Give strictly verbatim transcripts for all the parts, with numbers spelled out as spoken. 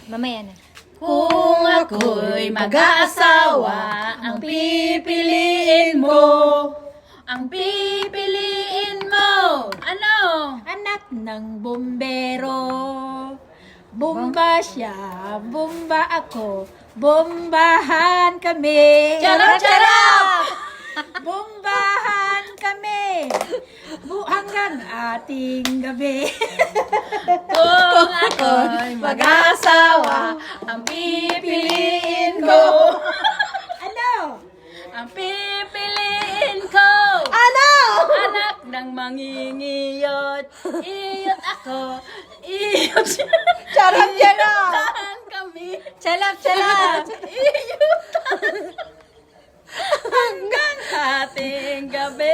Mamaya na. Kung ako'y mag-aasawa, ang pipiliin mo, ang pipiliin mo, ano? Anak ng bombero. Bomba siya, bomba ako, bombahan kami. Charap, charap! Bombahan kami. Bu hanggang ating gabi. Kung ako'y mag-aasawa, ang pipiliin ko, Ano? ang pipiliin ko, Ano? anak ng mangingiyot, iyot ako, iyot siya. Charap, charap. Iyutan kami, Chalap, chalap! iyutan. Hanggang ating gabi.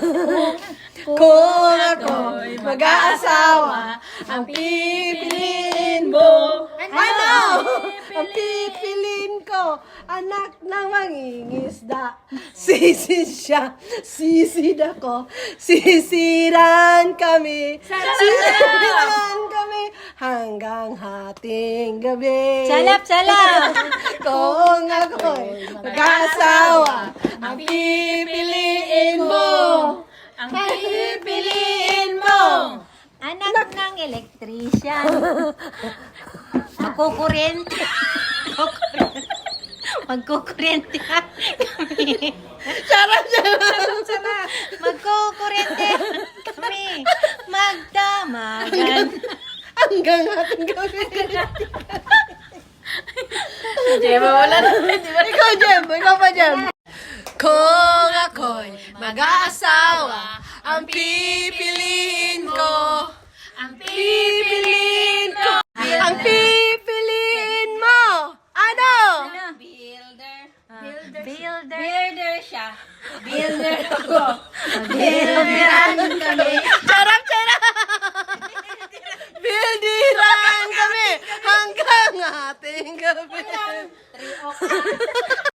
Kung Ako'y mag-aasawa, ang pipiliin mo. Ano? Ang pipiliin ko, anak ng mangingisda. Sisid siya, sisid ako, sisiran kami. Sisiran kami hanggang hating gabi. Chalap, chalap! Kung ako'y mag-asawa, ang pipiliin mo. Ang pipiliin mo. Anak ng elektrisyan. Magkukurente. Magkukurente kami. Charap, charap. Magkukurente kami. Magdamagan. Hanggang hating gabi. Diba, wala na. Diba? Ikaw, Jem. Ikaw pa, Jem. Kung ako'y mag-aasawa, ang pipiliin ko, Ang pipiliin ko. ang pipiliin mo. Ano? Builder. Builder. Builder. Builder siya. Builder ako. Builderan kami. Charap, charap. Bildiran kami hanggang ating gabi. Three o'clock.